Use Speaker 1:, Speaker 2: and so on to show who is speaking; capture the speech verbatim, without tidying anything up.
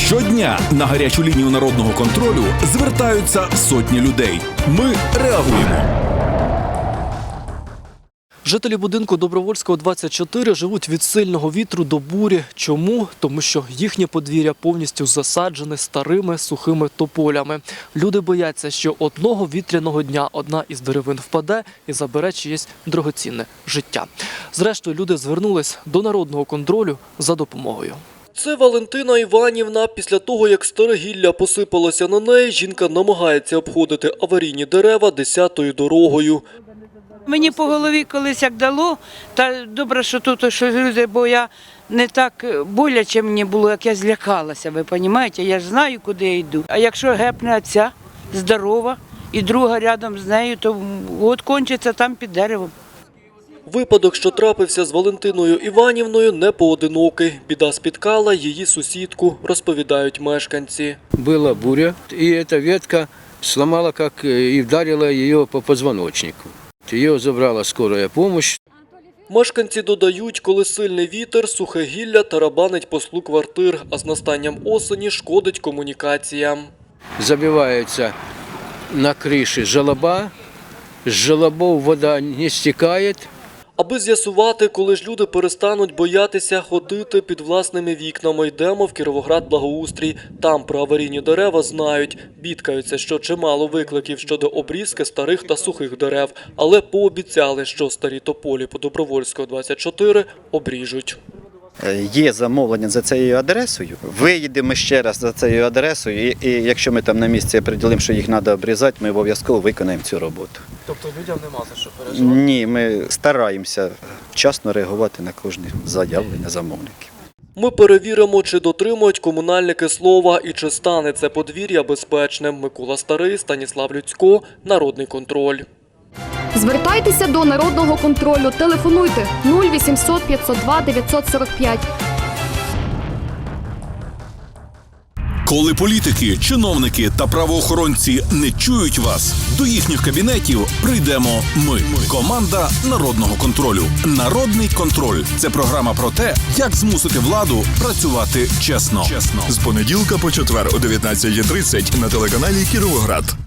Speaker 1: Щодня на гарячу лінію народного контролю звертаються сотні людей. Ми реагуємо.
Speaker 2: Жителі будинку Добровольського, двадцять чотири живуть від сильного вітру до бурі. Чому? Тому що їхнє подвір'я повністю засаджене старими сухими тополями. Люди бояться, що одного вітряного дня одна із деревин впаде і забере чиєсь дорогоцінне життя. Зрештою, люди звернулись до народного контролю за допомогою. Це Валентина Іванівна. Після того, як старе гілля посипалося на неї, жінка намагається обходити аварійні дерева десятою дорогою.
Speaker 3: Мені по голові колись як дало, та добре, що тут щось люди, бо я не так боляче мені було, як я злякалася, ви розумієте? Я ж знаю, куди я йду. А якщо гепне ця здорова і друга рядом з нею, то от кончиться там під деревом.
Speaker 2: Випадок, що трапився з Валентиною Іванівною, не поодинокий. Біда спіткала її сусідку, розповідають мешканці.
Speaker 4: Була буря, і ця ветка сломала як і вдарила її по позвоночнику. Її забрала скорая допомога.
Speaker 2: Мешканці додають, коли сильний вітер, сухе гілля тарабанить по склу квартир, а з настанням осені шкодить комунікаціям.
Speaker 4: Забивається на криші желоба, з желобов вода не стікає.
Speaker 2: Аби з'ясувати, коли ж люди перестануть боятися ходити під власними вікнами, йдемо в Кіровоград-Благоустрій. Там про аварійні дерева знають. Бідкаються, що чимало викликів щодо обрізки старих та сухих дерев, але пообіцяли, що старі тополі по Добровольського, двадцять чотири обріжуть.
Speaker 5: Є замовлення за цією адресою, виїдемо ще раз за цією адресою, і, і якщо ми там на місці приділимо, що їх треба обрізати, ми обов'язково виконаємо цю роботу.
Speaker 2: Тобто людям нема за що переживати?
Speaker 5: Ні, ми стараємося вчасно реагувати на кожне заявлення замовників.
Speaker 2: Ми перевіримо, чи дотримують комунальники слова і чи стане це подвір'я безпечним. Микола Старий, Станіслав Люцько, Народний контроль.
Speaker 6: Звертайтеся до Народного контролю. Телефонуйте нуль вісімсот п'ятсот два дев'ятсот сорок п'ять.
Speaker 1: Коли політики, чиновники та правоохоронці не чують вас, до їхніх кабінетів прийдемо ми. Команда Народного контролю. Народний контроль – це програма про те, як змусити владу працювати чесно.
Speaker 7: З понеділка по четвер о дев'ятнадцятій тридцять на телеканалі Кіровоград.